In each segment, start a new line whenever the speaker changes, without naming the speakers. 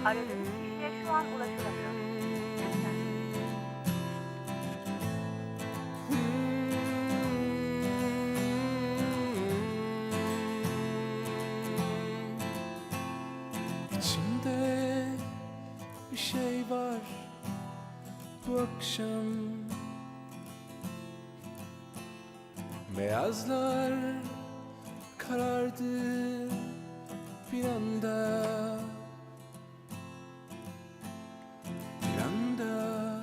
Aradığınız kişiye şu an ulaşılamıyor. Lütfen.
İçimde bir şey var bu akşam. Beyazlar karardı bir anda. Bir anda.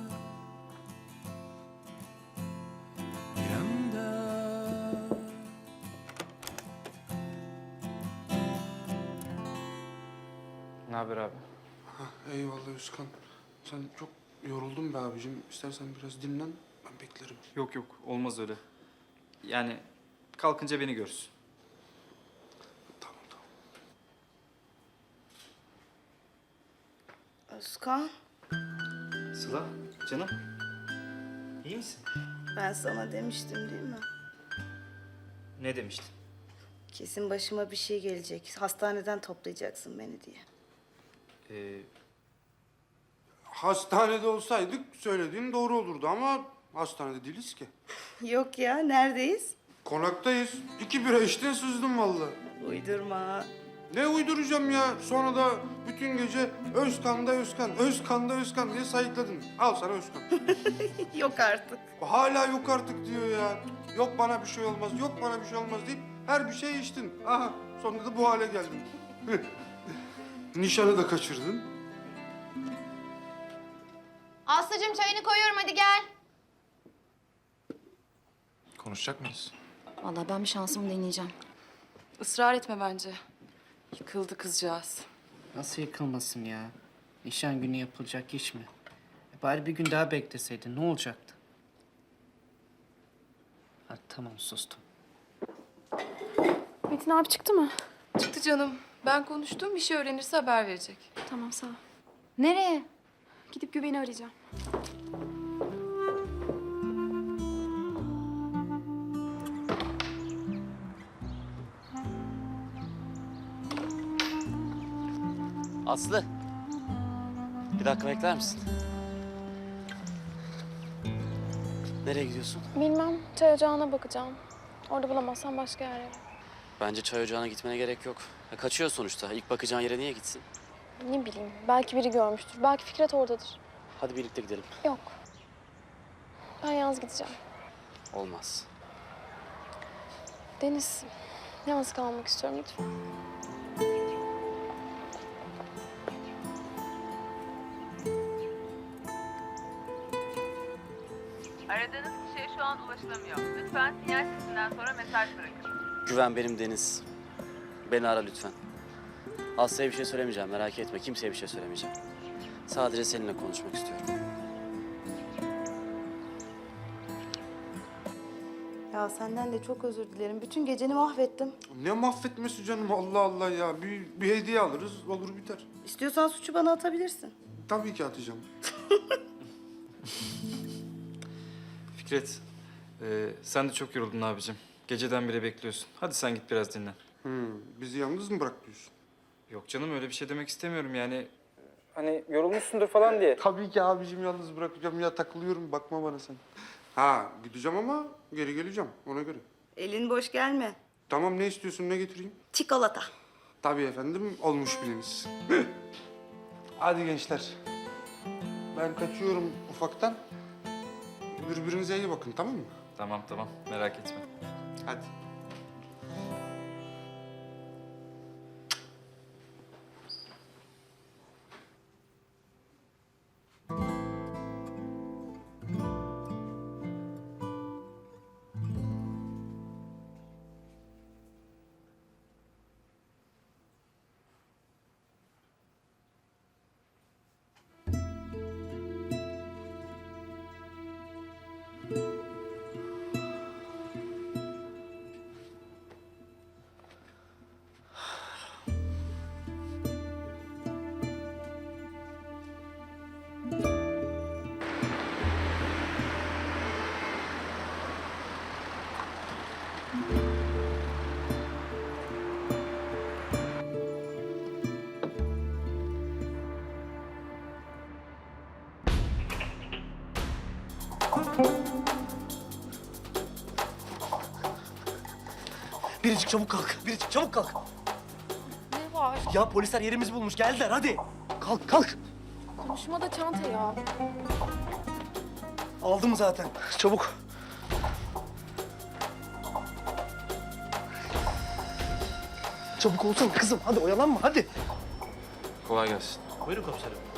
Bir anda.
Ne haber abi?
Eyvallah Özkan. Sen çok yoruldun be abicim. İstersen biraz dinlen, ben beklerim.
Yok yok, olmaz öyle. Yani kalkınca beni görürsün.
Tamam tamam.
Özkan,
Sıla, canım. İyi misin?
ben sana demiştim değil mi?
Ne demiştin?
Kesin başıma bir şey gelecek. Hastaneden toplayacaksın beni diye.
Hastanede olsaydık söylediğin doğru olurdu ama hastanede değiliz ki.
Yok ya, neredeyiz?
Konaktayız. 2 bira içtin sızdın vallahi.
Uydurma.
Ne uyduracağım ya? Sonra da bütün gece Özkan'da Özkan, Özkan'da Özkan diye sayıkladın. Al sana Özkan.
Yok artık.
Hala yok artık diyor ya. Yok bana bir şey olmaz, yok bana bir şey olmaz deyip her bir şey içtin. Aha, sonunda da bu hale geldin. Nişanı da kaçırdın.
Aslıcığım çayını koyuyorum, hadi gel.
Konuşacak mıyız?
Vallahi ben bir şansımı deneyeceğim.
Israr etme bence. Yıkıldı kızcağız.
Nasıl yıkılmasın ya? Nişan günü yapılacak iş mi? Bari bir gün daha bekleseydin ne olacaktı? Ha, tamam sustum.
Metin abi çıktı mı?
Çıktı canım. Ben konuştum, bir şey öğrenirse haber verecek.
Tamam sağ ol.
Nereye?
Gidip güveni arayacağım.
Aslı. Bir dakika bekler misin? Nereye gidiyorsun?
Bilmem, çay ocağına bakacağım. Orada bulamazsam başka yer ararım.
Bence çay ocağına gitmene gerek yok. Ya kaçıyor sonuçta. İlk bakacağın yere niye gitsin?
Ne bileyim, belki biri görmüştür. Belki Fikret oradadır.
Hadi birlikte gidelim.
Yok. Ben yalnız gideceğim.
Olmaz.
Deniz, yalnız kalmak istiyorum lütfen.
Aradığınız kişiye şu an ulaşılamıyor. Lütfen sinyal sesinden sonra mesaj bırakın.
Güven benim Deniz. Beni ara lütfen. Aslı'ya bir şey söylemeyeceğim. Merak etme. Kimseye bir şey söylemeyeceğim. Sadece seninle konuşmak istiyorum.
Ya senden de çok özür dilerim. Bütün geceni mahvettim.
Ne mahvetmesi canım, Allah Allah ya. Bir hediye alırız, olur biter.
İstiyorsan suçu bana atabilirsin.
Tabii ki atacağım.
Fikret, sen de çok yoruldun abicim. Geceden beri bekliyorsun. Hadi sen git biraz dinlen.
Bizi yalnız mı bırak diyorsun?
Yok canım, öyle bir şey demek istemiyorum yani. Hani yorulmuşsundur falan diye.
Tabii ki abicim, yalnız bırakacağım ya, takılıyorum, bakma bana sen. Ha, gideceğim ama geri geleceğim ona göre.
Elin boş gelme.
Tamam, ne istiyorsun, ne getireyim?
Çikolata.
Tabii efendim, olmuş biliniz. Hadi gençler. Ben kaçıyorum ufaktan. Birbirinize iyi bakın, tamam mı?
Tamam tamam, merak etme.
Hadi.
Biricik çabuk kalk. Biricik çabuk kalk.
Ne var?
Ya polisler yerimizi bulmuş. Geldiler hadi. Kalk kalk.
Konuşmada çanta ya.
Aldım zaten. Çabuk. Çabuk olsana kızım. Hadi oyalanma hadi.
Kolay gelsin.
Buyurun komiserim.